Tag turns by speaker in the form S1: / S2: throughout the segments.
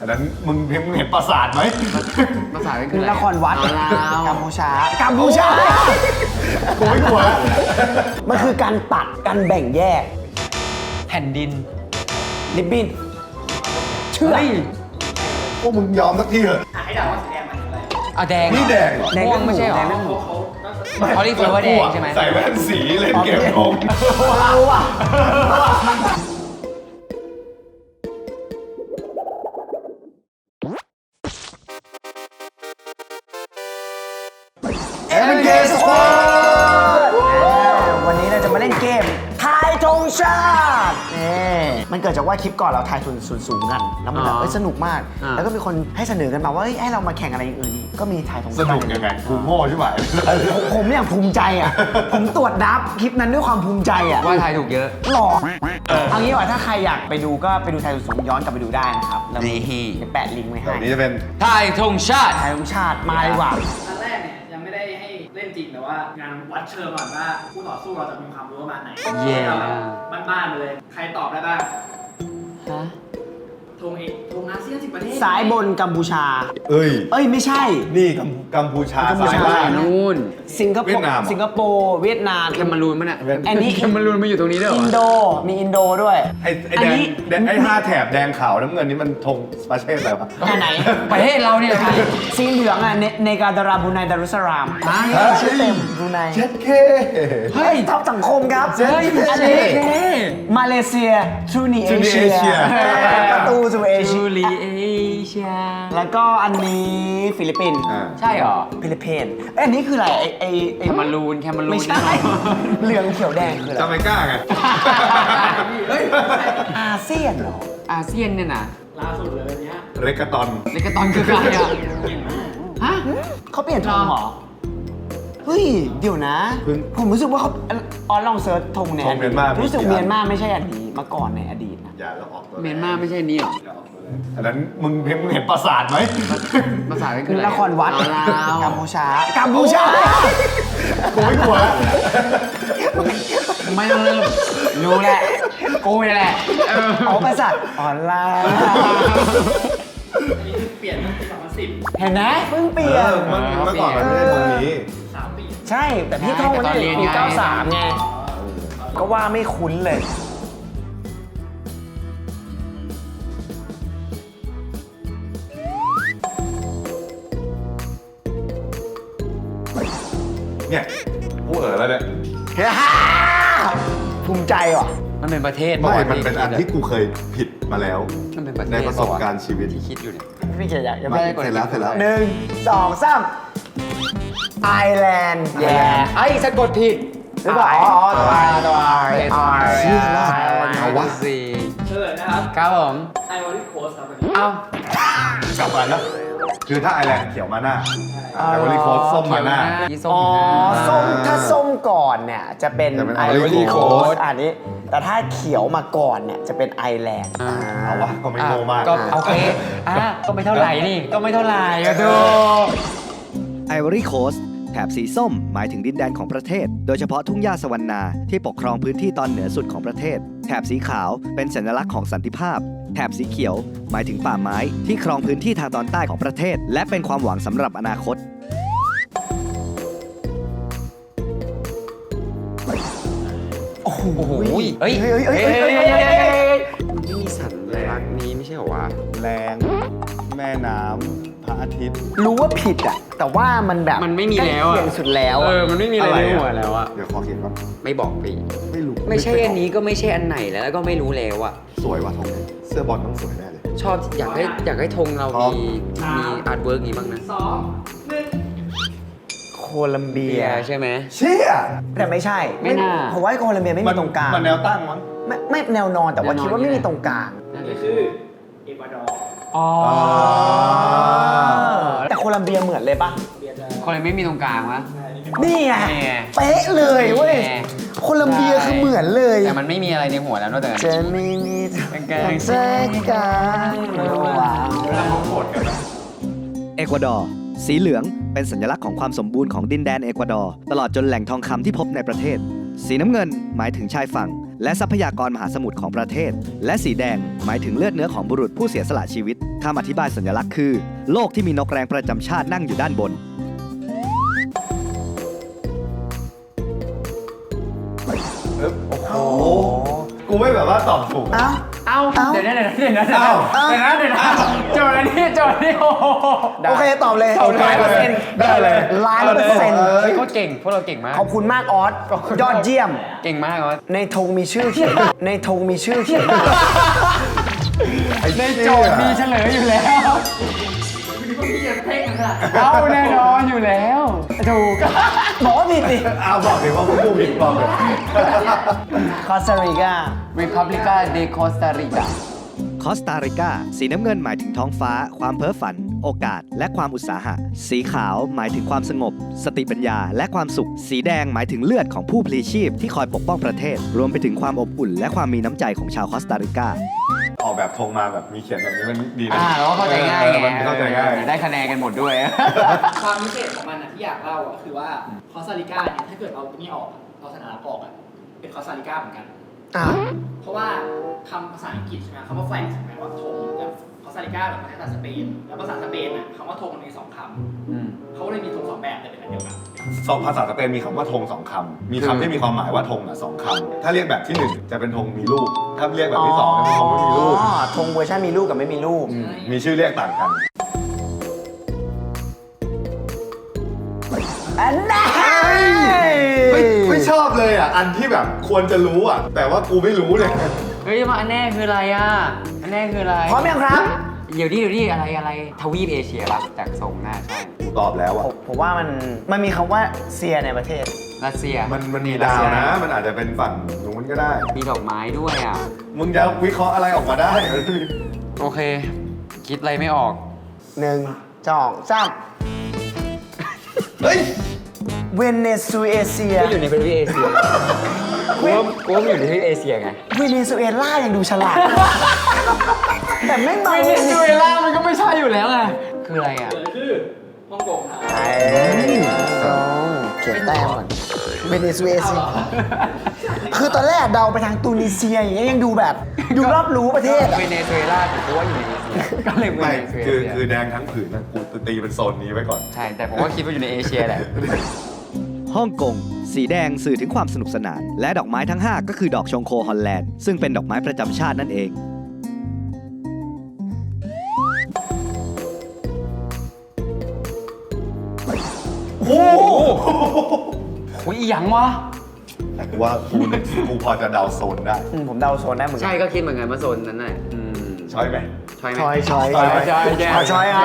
S1: อันนั้นมึงเห็นปราสาทไหม
S2: ภาษาเป็นคืออะไร
S3: นครวัด กัมพูชา กัมพูชา
S1: กูไม่กลัวแล้ว
S3: มันคือการตัดการแบ่งแยก
S2: แผ่นดิน
S3: ริบบิ้นเชื่อ
S1: พวกมึงยอมสักทีเถอะ
S4: ให้เดาว่าสีแดงมันคืออะไร
S2: เอาแดง
S1: นี่แดงเหรอ
S2: ม่วงไม่ใช่เหรอ
S3: แดงนั่นหมู
S2: เขาเรียกว่าแดงใช่ไหม
S1: ใส่แว่นสีเล่นเกมโกง
S3: ว้าวอ่ะ MK Squad วันนี้เราจะมาเล่นเกมทายธงชาติมันเกิดจากว่าคลิปก่อนเราทายทุนสูงกัน แล้วมันแบบสนุกมาก แล้วก็มีคนให้เสนอกันมาว่าให้เรามาแข่งอะไรอย่างอื่นอีกก็มีทายธง
S1: ส
S3: ชาติ
S1: นุกยังไงกูโง่ใช่ไหม
S3: ผมเนี่ยภูมิใจอ่ะ ผมตรวจนับคลิปนั้นด้วยความภูมิใจอ่ะ
S2: ว่าทายถูกเยอะ
S3: หล่อเอางี้ว่าถ้าใครอยากไปดูก็ไปดูไทยสูงย้อนกลับไปดูได้นะครับแล้ว
S2: นี่
S3: จะแปะลิงก์ไว้ให้
S1: เดี๋ยวนี้จะเป็น
S2: ทายธงชาติ
S3: ไทยธงชาติมาดีกว่า
S4: อันแรกเนี่ยยังไม่ได้ให้เล่นจริงแต่ว่างานวัดเชิงก่อนว่าคู่ต่อสู้เราจะมีความรู้ประมาณไหน
S2: เย้
S4: เราแบบบ้านๆเลย ใครตอบได้บ้าง
S2: ฮะ
S4: ธงอาเซียน10 ประเทศ
S3: ซ้ายบนกัมพูชา
S1: เอ้ย
S3: เอ้ยไม่ใช่
S1: นี่กัมพูชา
S3: กัมพูชา
S1: ซ้ายล่าง
S2: นู่น
S3: สิงคโป
S1: เวีย
S3: ร์
S1: ดนาม
S3: สิงคโปร์เวียดนาม
S2: แคมรูนมั้ยเนี่ย
S3: อันนี้
S2: แคมรูนมาอยู่ตรงนี้ด้วยเหร
S3: อิ
S2: อน
S3: โดมีอินโดด้วย
S1: ไอ้
S3: อัน
S1: แดง
S3: นี้
S1: ไอ้5 แถบแดงขาวน้ำเงินนี่มันธงประเทศอะไรวะ
S3: อันไหน
S2: ประเทศเราเนี่ยไทย
S3: สีเหลืองอ่ะเนกาดาราบรูไนดารุสลามชื่อเต็มบรูไน
S1: เช็ดเค
S3: เฮ้ยท็อปสังคมครับ
S1: เฮ้ย
S3: อันนี้มาเลเซียทรูนีเอ
S1: Truly
S3: เชีย
S1: Asia
S3: ประตูสู่เอเชี
S2: จู
S3: ย
S2: ลีเอเชีย
S3: แล้วก็อันนี้ฟิลิปปินส์
S2: ใช่เหรอ
S3: ฟิลิปปินส์เอ้ยอันนี้คืออะไรไอ
S2: แคมรูน
S3: ไม่ใช่ เหลืองเขียวแดงคืออะไร
S1: จาเมกาไง
S4: เฮ้ย
S3: อาเซียนเหรอ
S2: อาเซียนเนี่ยนะ
S4: ล่าสุดเลยวันเนี้ย
S1: เรกาตอน
S2: เลกาตอนคือใครอ่ะ
S4: เก่งมาก
S2: ฮะ
S3: เขาเปลี่ยนธงเหรอ เฮ้ย เดี๋ยวนะ ผมรู้สึกว่าเขาลองเซิร์ชธงใน
S1: ธงเมียนมารู้
S3: รู้สึกเมียนมาไม่ใช่อันนี้มาก่อนในอดีตนะ
S1: อย่าเราออกตัว
S2: เมียนมาไม่ใช่นี่หรอ
S1: อันนั้นมึงเห็นปราสาทไหม
S2: ภาษาเป็นคืออะไร
S3: นครวัด
S2: ลาว
S3: กัมพูชา กัมพูชา
S1: กูไม่กลัวแล้ว
S2: ไม่ต้องเริ่มรู้แหละกูนี่แหละ
S3: อ๋อประสาทออนไลน์
S4: อันนี้คือเปลี่ยนตั้งแต่2010
S3: เห็นไหมเพิ่งเปลี่ยน
S1: เมื่อก่อนมันไม่ได้ตรงนี้
S4: 3 ปี
S3: ใช่ แต่พี่ท่องมันได้ปี93ไง ก็ว่าไม่คุ้นเลย
S1: เนี่ยกูแล้วเนี่ย
S3: ภูมิใจว่ะ
S2: มันเป็นประเทศ
S1: ไม่มันเป็นอันที่กูเคยผิดมาแล้ว
S2: มันเป็นประเทศ
S1: ในประสบการณ์ชีวิต
S2: ที่คิดอยู่เนี่ย
S3: พี่เกียรติยัง
S2: ไม่
S3: ไม่
S2: ได้กด
S1: เสร็จแล้ว
S3: หนึ่งสองสามไอแลนด์แย่
S2: ไอ้สะกดผิด
S3: หรือเปล่าอ๋อตัวไอตัวไอไอ
S1: เอาวะ
S2: สิ
S4: เฉลยนะครับ
S2: ครับผม
S4: ไอวอริโคสครับวันนี้
S2: เอ้าก
S1: ลับมาแล้วคือถ้าไอแลนด์เขียวมาหน้าแต่วอลลีโคสส้มมาหน้า
S2: ยี่ส้ม
S3: อ๋อ
S2: อยู่หน้า
S3: ส้มถ้าส้มก่อนเนี่ยจะเป็น
S1: จะเป็น
S3: ไอ
S1: Ivory
S3: โค
S1: Coast
S3: สอันนี้ แต่ถ้าเขียวมาก่อนเนี่ยจะเป็นไอแลนด์
S1: เอาวะก็ไม่โง่มาก
S2: ก็โอเคก็ไม่เท่าไหร่นี่ ก็ไม่เท่าไหร่อะดู
S5: ไอวอรี่โคสต์แถบสีส้มหมายถึงดินแดนของประเทศ โดยเฉพาะทุ่งหญ้าสวรรณาที่ปกครองพื้นที่ตอนเหนือสุดของประเทศ แถบสีขาวเป็นสัญลักษณ์ของสันติภาพ แถบสีเขียวหมายถึงป่าไม้ที่ครองพื้นที่ทางตอนใต้ของประเทศ และเป็นความหวังสำหรับอนาคต
S2: โอ้โหเฮ้ย
S3: เฮ้ยเฮ้ย
S2: เฮ้ย
S3: เฮ้ย
S2: เฮ้ย
S3: เฮ้ย
S2: เฮ้ย
S3: เฮ้ย
S2: เฮ้ย
S3: เฮ้ย
S2: มันไม่มีสัญลักษณ์นี้ไม่ใช่เหรอวะ
S1: แรง แม่น้ำพระอาทิตย์
S3: รู้ว่าผิดอ่ะ แต่ว่ามันแบบ
S2: มันไม่มีแล้ว
S3: ใก
S2: อะ
S3: เคียงสุดแล้วอะ
S2: มันไม่มีอะไรในหัวแล้วอะ
S1: เดี๋ยวขอเขียนก่อน
S2: ไม่บอกปี
S1: ไม่รู้
S2: ไม่ใช่อันนี้ก็ไม่ใช่อันไหนแล้วก็ไม่รู้แล้วอะ
S1: สวยว่ะทงนี้เสื้อบอลต้องสวยแน่เลย
S2: ชอบอยากให้ธงเรามีอาร์ตเวิร์กนี้บ้างนะ
S4: 2 1
S3: โคลัมเบีย
S2: ใช่ไหม
S1: เชี่ย
S3: แต่ไม่ใช่
S2: ไม่น่า
S3: ผมว่าโคลัมเบียไม่มีตรงกลาง
S1: มันแนวตั้งมั้ง
S3: ไม่แนวนอนแต่ว่า
S2: แนวนอน
S3: คิดว่าไม่มีตรงกลาง
S4: อันนี้คือเอกวาดอร์
S2: อ๋อ
S3: แต่โคลัมเบียเหมือนเลยปะ
S4: เบียร์จะ
S2: คนเลยไม่มีตรงกลางวะ
S3: นี่ไง
S2: นี่ไง
S3: เป๊ะเลยเว้ย
S2: นี่ไง
S3: โคลัมเบียคือเหมือนเลย
S2: แต่มันไม่มีอะไรในหัวแล้วนอกจากนั้น
S3: จะไม่มีทางแทรกกลางระหว่าง
S5: เอกวาดอร์สีเหลืองเป็นสัญลักษณ์ของความสมบูรณ์ของดินแดนเอกวาดอร์ตลอดจนแหล่งทองคำที่พบในประเทศ สีน้ำเงินหมายถึงชายฝั่งและทรัพยากรมหาสมุทรของประเทศ และสีแดงหมายถึงเลือดเนื้อของบุรุษผู้เสียสละชีวิตคำอธิบายสัญลักษณ์คือโลกที่มีนกแรงประจำชาตินั่งอยู่ด้านบน
S1: โอ้โหกูไม่แบบว่าตอบถูก
S3: เอ้า
S4: เอาเดี๋ยวนะโจทย์นี้โอ้โห
S3: โอเคตอบเลย 100%
S1: ได้เลย
S3: 100%
S2: เฮ้ยเขาเก่งพวกเราเก่งมาก
S3: ขอบคุณมากออสยอดเยี่ยม
S2: เก่งมากออส
S3: ในธงมีชื่อเขียน ในธงมีชื่อเขียน
S4: ในโจทย์มีเฉลยอยู่แล้วเอาแน่นอนอยู่แล้วถูก
S3: บอกว่าผิดดิ
S1: เอาบอกเลยว่ากูผิดบอกเลย
S3: คอสตาริกา
S2: República de Costa Rica
S5: คอสตาริกาสีน้ำเงินหมายถึงท้องฟ้า ความเพ้อฝัน โอกาส และความอุตสาหะ สีขาวหมายถึงความสงบ สติปัญญา และความสุข สีแดงหมายถึงเลือดของผู้พลีชีพที่คอยปกป้องประเทศ รวมไปถึงความอบอุ่น และความมีน้ำใจของชาวคอสตาริกา
S1: ออกแบบธงมาแบบมีเขียนแบบนี้มันดีนะ
S2: แล้วก็เข้าใจง่ายไง
S1: มันเข้าใจง่าย
S2: ได้คะแนนกันหมดด้วย
S4: ความพิเศษของมันที่อยากเล่าก็คือว่าคอสตาริกาเนี่ยถ้าเกิดเอานี่ออกเอาสัญลักษณ์ออกเป็นคอสตาริกาเหมือนกัน เพราะว่าคำภาษาอังกฤษใช่ไหมคำว่าแฟลกใช่ไหมว่าธงแบบคอสตาริกาแบบภาษาสเปนแล้วภาษาสเปนคำว่าธงมันมี2 คำเขาเลยมีธง2 แบบแต่เป็นอันเดียวกัน
S1: สองภาษาสเปนมีคำว่าธง2 คำมีคำที่มีความหมายว่าธง2 คำถ้าเรียกแบบที่ 1 จะเป็นธงมีลูกถ้าเรียกแบบที่ 2 จะเป็นธงไม่มีลูก
S3: ธงเวอร์ชันมีลูกกับไม่มีลูก
S1: มีชื่อเรียกต่างกัน
S3: อันนั้น
S1: ไม่ชอบเลยอ่ะอันที่แบบควรจะรู้อ่ะแต่ว่ากูไม่รู้เลย
S2: เฮ้ยมาอันแน่คืออะไรอ่ะอันแน่คืออะไร
S3: พร้อมยังครับ
S2: เดี๋ยวดิอะไรทวีปเอเชียครับจากทรงหน้าใช่
S1: กูตอบแล้วอ่ะ
S3: ผมว่ามันมีคำว่าเซียในประเทศ
S2: รัสเซีย
S1: มันมีดาวนะ มันอาจจะเป็นฝั่งนู้นก็ได้
S2: มีดอกไม้ด้วยอ่ะ
S1: มึงจะวิเคราะห์อะไรออกมาได้
S2: โอเค คิดอะไรไม่ออก
S3: 1 2 3
S1: เฮ้ย
S3: เวเนซุเอเซีย
S2: ก็อยู่ในทวีปเอเชียกูว่ามันอยู่ในทวีปเอเชียไง
S3: เวเนซุเอลายังดูฉลาด แต่ไม่มา
S2: เวเนซุเอลามันก็ไม่ใช่อยู่แล้วไงคืออะไรอ่ะ
S4: คือฮ่องกงครับ
S3: เขียนแต้มก่อนเวเนซุเอเซีย คือตอนแรกเดาไปทางตูนิเซียอย่างเงี้ยยังดูแบบดูรอบรู้ประเทศอะ
S2: เวเนซุเอลาผมก็ว่าอยู่ในเอเชียก็เลยเว
S1: ไม่
S2: เนซุเอ
S1: คือ
S2: เชีย
S1: คือแดงทั้งผืนนะกูตีเป็นโซนนี้ไว้ก่อน
S2: ใช่ แต่ผมก็คิดว่าอยู่ในเอเชียแหละ
S5: ฮ่องกงสีแดงสื่อถึงความสนุกสนาน และดอกไม้ทั้ง 5 ก็คือดอกชงโคฮอลแลนด์ซึ่งเป็นดอกไม้ประจำชาตินั่นเอง
S1: โอ้โห
S2: อุ้ยอีหยังวะ
S1: แต่กูว่ากูพอจะเดาโซนได้
S3: ผมเดาโซนได้เหมือนกั
S2: ใช่ก็คิดเหมือนกันว่าโซนนั้นน่ะ
S1: ใช่ไหม
S2: ใช่ไหม
S3: ช้อย
S2: ช้อย
S3: ครับช้อย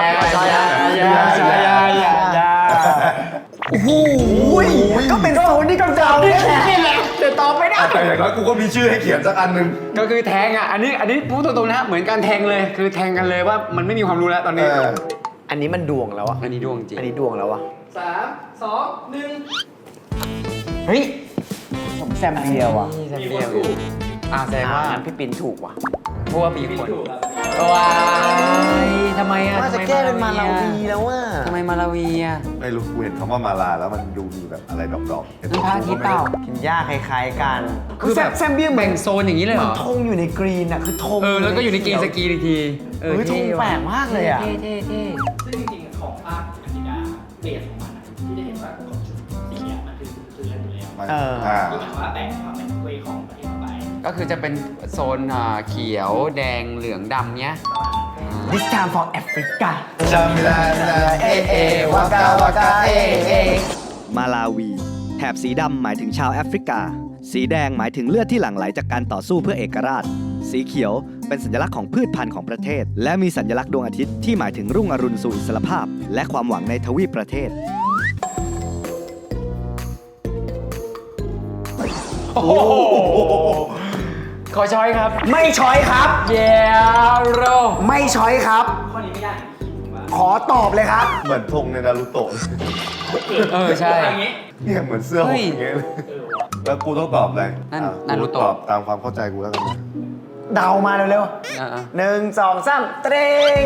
S3: โอ้โหก็เป็นโซนที่กำเดาเนี่ยแหละแต่ตอบไม่ได้
S1: แต่อย่างน้อยกูก็มีชื่อให้เขียนสักอันหนึง
S2: ก็คือแทงอ่ะ อันนี้พูดตรงๆนะเหมือนการแทงเลย คือแทงกันเลยว่ามันไม่มีความรู้แล้วตอนนี้
S3: อันนี้มันดวงแล้วอะ
S2: อันนี้ดวงจริง
S3: อันนี้ดวงแล้วอะ
S4: 3 2 1
S3: เฮ้ยผมแซมเดียวอะ
S2: นี่แซมเดียวแสดงว่า
S3: งั้นพี่ปินถูกว่ะ
S2: เพราะว่ามีคน
S4: ถูกครับ
S2: ว้ายทำไมอ่ะ
S3: ว่าจะแก้เป็นมาลาวีแล้วว่า
S2: ทำไมมาลาวีอ่ะ
S1: ไม่รู้กูเห็นคำว่ามาลาแล้วมันดูมีแบบอะไรดอกๆ
S2: มันพระอาทิตย์เปล่า
S3: กินหญ้าคล้ายๆกัน
S2: คือแบบ
S3: แซมเบียเหมือ
S2: แบ่
S3: น
S2: งโซนอย่างนี้เลยเหรอ
S3: ธงอยู่ในกรีนอะคือธง
S2: แล้วก็อยู่ในกรีนสกีอีกที
S3: เฮ้ยธงแปลกมากเลยอะ
S2: เท่
S4: ซึ่งจริงๆของภาคอเมริกาเบสของมันที่จะเห็นว่าของชุดสีเนี้ยมันคือเลือนอยู่แล้ว ที่หมายว่าแบ่งความเป็นเวของประเทศเข้าไป
S2: ก็คือจะเป็นโซนเขียวแดงเหลืองดำเนี้ย
S3: This time for Africa
S1: จำไม่ได้
S3: วากาวากา
S5: มาลาวี แถบสีดำหมายถึงชาวแอฟริกา สีแดงหมายถึงเลือดที่หลั่งไหลจากการต่อสู้เพื่อเอกราช สีเขียวเป็นสัญลักษณ์ของพืชพันธุ์ของประเทศ และมีสัญลักษณ์ดวงอาทิตย์ที่หมายถึงรุ่งอรุณสู่อิสรภาพ และความหวังในทวีปประเทศ
S2: โอ้โหขอช้อยครับ
S3: ไม่ช้อยครับ
S2: เยโร
S3: ไม่ช้อยครับ
S4: ข้อนี้ไม่ได้ผมว่า
S3: ขอตอบเลยครับ
S1: เหมือนธงในนารูโตะ
S2: ใช่
S4: อย่างงี้
S1: เนี่ยเหมือนเสื้อหงอย่างเงี้ยเลยแล้วกูต้องตอบอะไร
S2: นั่น
S1: อ่ะ
S2: นารูโตะ
S1: กูตอบตามความเข้าใจกูแล้วกันนะ
S3: เดามาเร็วๆ1 2 3เตรง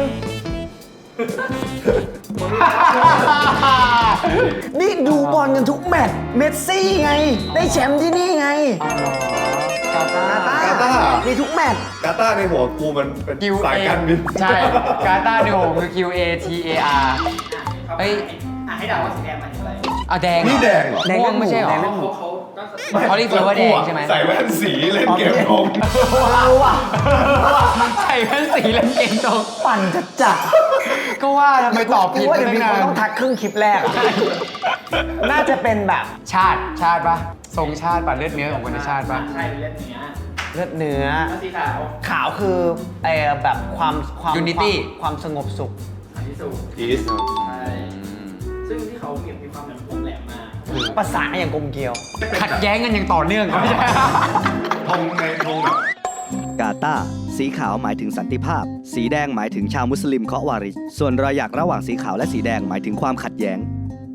S3: นี่ดูบอลกันทุกแมตช์เมสซี่ไง ได้แชมป์ที่นี่ไง
S2: กาตาร์
S1: กาตาร์
S3: มีทุกแมตช์
S1: กาตาร์ในหัวกูมันเป็น
S2: QA
S1: สายการบิน
S2: ใช่ กาตาร์ในโหคือ QATAR เอ้ย
S4: ให้เดาว่าสีแดงหมายถึงอะไร
S2: อ่ะแดง
S1: นี่แดงเหรอ
S2: ม่วงไม่ใช่เหรอ เขาเรียกว่าแดงใช่ไหม
S1: ใส่แว่นสีเล่นเกมธง
S3: ว้าวว่ะ
S2: ใส่แว่นสีแล้วเก่งตรง
S3: ปั่นจัด
S2: ก็ว่าทำไมตอบผิด
S3: ว่า
S2: ไป
S3: เดี๋ยว
S2: ตั้
S3: มี
S2: งนา
S3: คน
S2: น
S3: ต้องทักครึ่งคลิปแรกอะน่าจะเป็นแบบ
S2: ชาติปะทรงชาติปะเลือดเนื้อของคนในชาติปะ
S4: ใช่เป็นเลือดเนื้อ
S3: เลือดเนื้อ
S4: แล้วสีขาว
S3: ขาวคือแบบความ
S2: Unity
S3: ความสงบสุข
S4: อันที่สุด
S1: อีส
S4: ใช่ซึ่งที่เขามีความแบบคมแหลมมาก
S3: ประสานอย่างกลมเกลียว
S2: ขัดแย้งกันอย่างต่อเนื่องก็ไม่ใช่
S1: ธงในธงแบบ
S5: กาตาร์สีขาวหมายถึงสันติภาพ สีแดงหมายถึงชาวมุสลิมเคาะวาริชส่วนรอยหยักระหว่างสีขาวและสีแดงหมายถึงความขัดแย้ง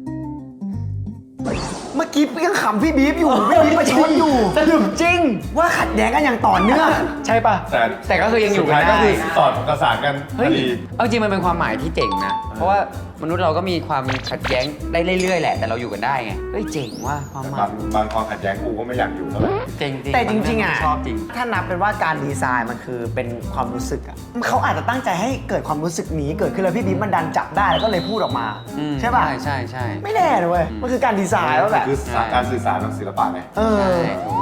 S3: เมื่อกี้ยังขำพี่บีฟอยู่ พี่บีฟมาชนอยู่
S2: สรุปจริง
S3: ว่าขัดแย้งกันอย่างต่อเนื่อง
S2: ใช่ปะแต่ก็คือยังอยู่
S1: สุด
S2: กั
S1: ท้าน ยก็
S2: ได้
S1: คือสอดประสานกันพ
S2: เฮ้
S1: อย ดี
S2: เอาจริงมันเป็นความหมายที่เจ๋งนะ เพราะว่ามนุษย์เราก็มีความขัดแย้งได้เรื่อยๆแหละ แต่เราอยู่กันได้ไง เฮ้ยเจ๋งว่ะความหมา
S1: บางความขัดแย้งกูก็ไม่อยากอยู่เท่าไหร่
S2: เจ๋งจริง
S3: แต่จริงๆอ่ะ
S2: ชอบจริง
S3: ถ้านับเป็นว่าการดีไซน์มันคือเป็นความรู้สึกอ่ะเขาอาจจะตั้งใจให้เกิดความรู้สึกนี้เกิดขึ้นแล้วพี่บีฟมันดันจับได้แล้วก็เลยพูดออกมา ใช่ป่ะ
S2: ใช่ใช่
S3: ไม่แน่นะเว้ยมันคือการดีไซน์ว่าแบบ
S1: คือการสื่อสารทางศิลปะไง
S3: เอ
S2: ใช่
S3: อ
S2: ถูก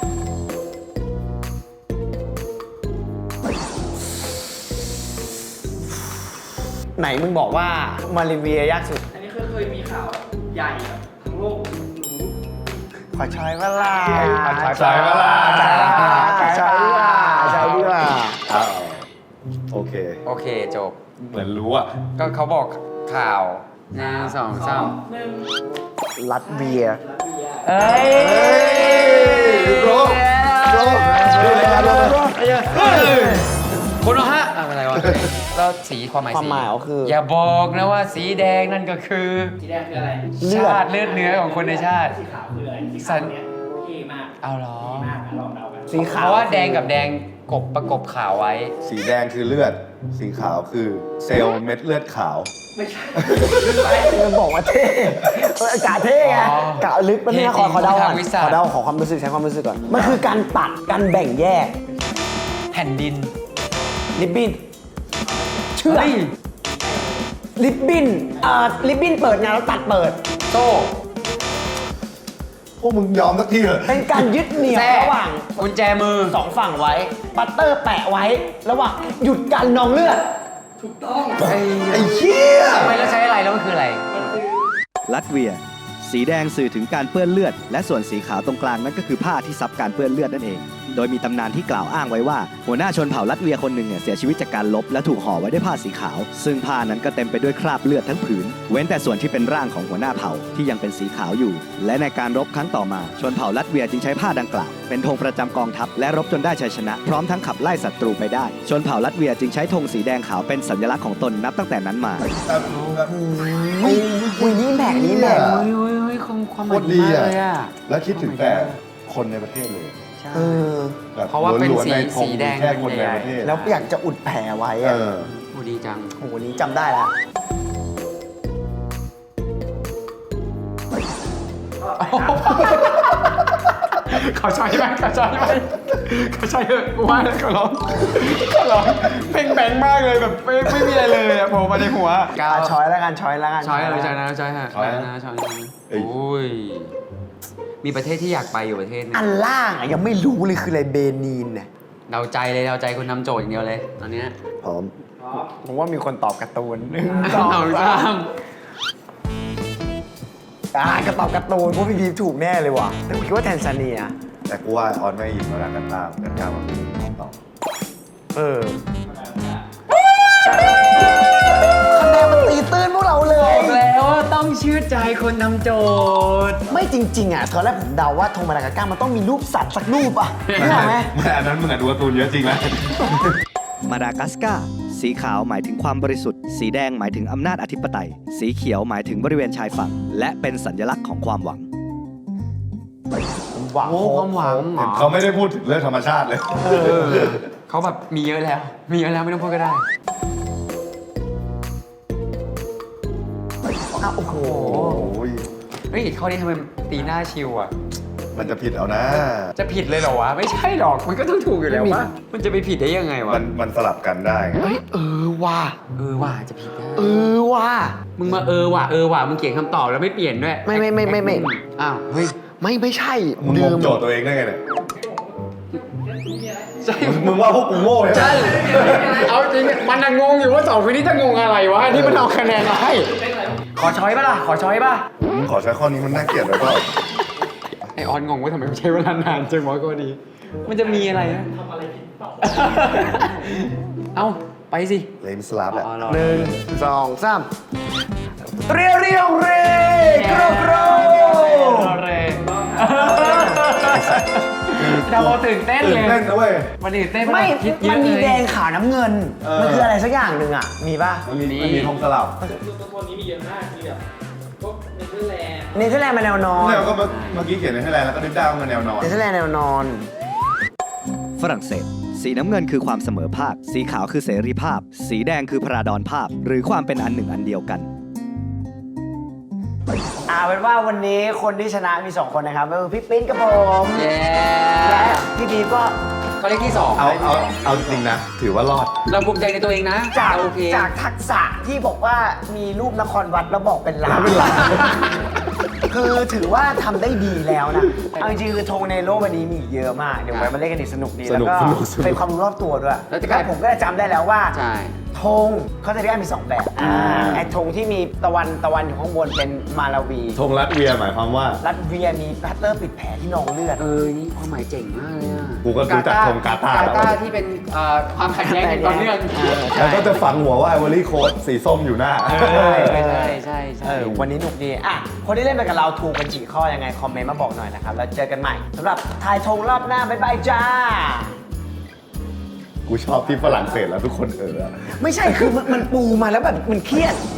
S3: ไหนมึงบอกว่ามาเลเวียยากสุด
S4: อันนี้เคยมีข่าวใหญ่แบบทั้งโลกรู้
S3: ขอช้อยเวลา
S1: ใช่เวลา
S3: ขอช้อยดีกว่าช้อยดีกว่า
S1: อ้าวโอเค
S2: โอเคจบ
S1: เหมือนรู้อ่ะ
S2: ก็เขาบอกข่าวหนึ่งสองสาม
S4: หนึ่ง
S3: ลัตเวีย
S4: รัสเซีย
S2: เอ้ย
S1: โรคโรคดูเลยครับโรค
S2: คุณเหรอฮะอะไรวะแล้วสีความหมาย
S3: ความหมายก็คือ
S2: อย่าบอกนะว่าสีแดงนั่นก็คือ
S4: สีแดงคืออะไร
S3: เลือด
S2: ชาติเลือดเนื้อของคนในชาติ
S4: สีขาวคืออะไรสีขาวเนี่ยเท่มาก
S2: เอาเหรอ
S4: มากนะลองเดากัน
S3: สีขาว
S2: เพราะว่าแดงกับแดงกบประกบขาวไว้
S1: สีแดงคือเลือด สีขาวคือเซลล์เม็ดเลือดขาว
S4: ไม่ใช่
S3: มันบอกว่าเท่กะเท่ไง
S2: อ๋อก
S3: ะลึกมันเนี่ยขอเดาก่อน
S2: ทางวิชา
S3: ขอเดาขอความรู้สึกใช้ความรู้สึกก่อน มันคือการตัดการแบ่งแยก
S2: แผ่นดิน
S3: ริบบิ้นเชื่อ
S2: เฮ้ย
S3: ริบบิ้นริบบิ้นเปิดงานแล้วตัดเปิด
S2: โซ่
S1: พวกมึงยอมสักทีเถอะ
S3: เป็นการยึดเหนี่ยว
S2: แทรก
S3: ระหว่าง
S2: กุญแจมือ
S3: สองฝั่งไว้ ปัตเตอร์แปะไว้ ระหว่างหยุดการนองเลือด
S4: ถูกต้อง
S1: ไอ้เหี้ย
S2: ทำไมแล้วใช้อะไรแล้วมันคืออะไร
S5: ลัตเวีย สีแดงสื่อถึงการเปื้อนเลือด และส่วนสีขาวตรงกลางนั่นก็คือผ้าที่ซับการเปื้อนเลือดนั่นเอง โดยมีตำนานที่กล่าวอ้างไว้ว่า หัวหน้าชนเผ่าลัตเวียคนหนึ่งเนี่ยเสียชีวิตจากการลบและถูกห่อไว้ด้วยผ้าสีขาว ซึ่งผ้านั้นก็เต็มไปด้วยคราบเลือดทั้งผืน เว้นแต่ส่วนที่เป็นร่างของหัวหน้าเผ่าที่ยังเป็นสีขาวอยู่ และในการรบครั้งต่อมาชนเผ่าลัตเวียจึงใช้ผ้าดังกล่าวเป็นธงประจำกองทัพและรบจนได้ชัยชนะพร้อมทั้งขับไล่ศัตรูไปได้ ชนเผ่าลัตเวียจึงใช้ธงสีแดงขาวเป็นสัญลักษณ์ของตนนับตั้งแต่นั้นมา
S3: อุ้ยนี่แบกนี่แบก
S2: เฮ้ยความห
S1: โค
S2: มาย
S1: ตร
S2: ดี
S1: ดี
S2: มาก
S1: อ่ะ
S2: เลยอ่ะ
S1: แล้วคิดถึงแต่คนในประเทศเลย
S2: ใช่
S3: เออ
S1: แบบ
S2: เพราะว่าเป็น
S1: ล้ๆในธ
S2: สีแดง
S1: แค่คนในประเทศ
S3: แล้วอยากจะอุดแผลไว้
S1: เอ
S3: อะ
S1: อ
S2: โอ้ดีจัง
S3: โอ้โหนี้จำได้ละ
S2: เขาใช้ไหมเขาใช้ไหมเขาใช้เถอะกูว่าเขาร้องเพ่งแบงมากเลยแบบไม่มีอะไรเลยอะโผล่มาในหัว
S3: ช้อยแล้วกันช้อยแล้วกัน
S2: ช้อยเลยช้อยนะช้อยฮะ
S1: ช้อยนะ
S2: ช้อย
S1: เอ้ย
S2: โอ้ยมีประเทศที่อยากไปอยู่ประเทศหนึง
S3: อันล่างอะยังไม่รู้เลยคืออะไรเบนีนเนี่ย
S2: เดาใจเลยเดาใจคนนำโจทย์อย่างเดียวเลยตอนเนี้ย
S1: พร้อม
S3: ผมว่ามีคนตอบการ์ตูน
S2: เอาจ้าม
S3: ก็ตอบการ์ตูนเพราะพี่บีถูกแน่เลยว่ะแต่ผมคิดว่าแทนซาเนีย
S1: แต่กูว่าออนไม่ยินมาแล้วกันตามมาเป็นต่อ
S3: เออคะแนนมันตีตื้นพวกเราเล
S2: บอย กแล้วว่าต้องเชื่อใจคนนำโจทย์
S3: ไม่จริงๆอ่ะตอนแรกผมเดาว่าธงมาดากัสการ์มันต้องมีรูปสัตว์สักรูปอ่ะนึกออกไหม
S1: ไม่อันนั้นมึงอะดูการ์ตูนเยอะจริงนะ
S5: มาดากัสการ์สีขาวหมายถึงความบริสุทธิ์ สีแดงหมายถึงอำนาจอธิปไตย สีเขียวหมายถึงบริเวณชายฝั่ง และเป็นสัญลักษณ์ของความหวัง
S3: หวัง
S2: โอ้ความหวังเหรอ
S1: เขาไม่ได้พูดถึงเรื่องธรรมชาติเลย
S2: เขาแบบมีเยอะแล้ว มีเยอะแล้วไม่ต้องพูดก็ได้
S3: อ่ะโอ้โห
S1: โอ้ย
S2: เฮ้ยข้อนี้ทำไมตีหน้าชิวอ่ะ
S1: มันจะผิดเอานะ
S2: จะผิดเลยเหรอวะ ไม่ใช่หรอก มันก็ต้องถูกอยู่แล้ววะมันจะไปผิดได้ยังไงวะ
S1: มันสลับกันได้ไง
S3: เฮ้ยว่ะ
S2: ว่าจะผิดได้
S3: ว่ะ
S2: มึงมาว่ะมึงเขียนคำตอบแล้วไม่เปลี่ยนด้วย
S3: ไม่
S2: อ้าว เฮ้ย
S3: ไม่ใช่
S1: มึงงงโจทย์ตัวเองได้ไงเนี่ย
S2: ใช่
S1: มึงว่าพวกกูโง่ใช่ไหม
S2: ใช่ เอาจริงมันน่ะงงอยู่ว่า2คนนี้จะงงอะไรวะที่มันเอาคะแนนมาให้ขอช้อยป่ะล่ะ ขอช้อยป่ะ
S1: มึงขอใช้ข้อนี้มันน่าเกลียดเลยเปล่า
S2: ไอออนงงว่าทำไมใช้เวลานานจังวะก็ดี มันจะมีอะไรนะ
S4: ทำอะไรผิดเปล่า
S2: เอ้า ไปสิ
S1: เลยมสลับแหละ
S2: อ๋อรอ
S3: 1 2 3เรียวเรโกรโกร
S2: เราตื่นเต้น
S1: ตื่
S2: เล
S1: น
S2: ย
S1: เต้นนะเว้ย
S2: มันตื่นเต้น
S3: ไม่
S2: คิดเย
S3: มั
S2: อะ
S3: นมี
S2: เลย
S3: แดงขาวน้ำเงิน มันคืออะไรสักอย่างหนึ่งอ่ะ มีป่ะ
S1: มันมีธงสลับ
S4: ตัวนี้มีเยอะมากมีแบบพวกเนเธอร์แลนด์
S3: เนเธอร์แลนด์มาแนวนอน
S1: เนี่ยก็เมื่อกี้เขียนในไทยแลนด์แล้วก็นึกได้ว่ามันแนวนอน
S3: เนเธอร์แลนด์แนวนอน
S5: ฝรั่งเศส สีน้ำเงินคือความเสมอภาค สีขาวคือเสรีภาพ สีแดงคือพราดอนภาพ หรือความเป็นอันหนึ่งอันเดียวกัน
S3: เป็นว่าวันนี้คนที่ชนะมี 2 คนนะครับก็คือพี่ปิ้นกับผม
S2: เย้
S3: และพี่บีก็
S2: เขาเลขที่2
S1: เอาจริงนะ ถือว่ารอด
S2: เราภูมิใจในตัวเองนะ
S3: จาก
S2: โอเค
S3: จากทักษะที่บอกว่ามีรูปนครวัดแล้วบอกเป็นล้านคือถือว่าทำได้ดีแล้วนะเอาจริงๆคือธงในโลกวันนี้มีอีกเยอะมาก เดี๋ยวไว้มาเล่นกันอีกสนุกดี
S1: ส
S3: แล้ว
S1: นุก
S3: ก็
S1: สนุกสนุก
S3: เป็นความรู้รอบตัวด้วย
S2: แล้วจะกลาย
S3: แล้วผมก็จะจำได้แล้วว่า
S2: ใช่
S3: ธงเขาจะเรียกมี 2 แบบไอ้ธงที่มีตะวันอยู่ข้างบนเป็นมาลาวี
S1: ธงรัสเวียหมายความว่า
S3: รัสเวียมีพัตเตอร์ปิดแผลที่นองเลือด
S2: นี่ความหมายเจ๋งมากเลยอ่ะ
S1: กูก็รู้จักธงกาตาร์แล้ว
S2: กาตาร์ที่เป็นความขัดแย้งกันต่อเนื่อง
S1: แล้วก็จะฝังหัวว่าไอวอรี่โค้ดสีส้มอยู่หน้า
S2: ใช่
S3: วันนี้หนุกดีคนที่เล่นไปกับเราถูกกันกี่ข้อยังไง คอมเมนต์มาบอกหน่อยนะครับ แล้วเจอกันใหม่สำหรับทายธงรอบหน้า บ๊ายบายจ้า
S1: กูชอบที่ฝรั่งเศสแล้วทุกคน
S3: ไม่ใช่คือมันปูมาแล้วแบบมันเครียด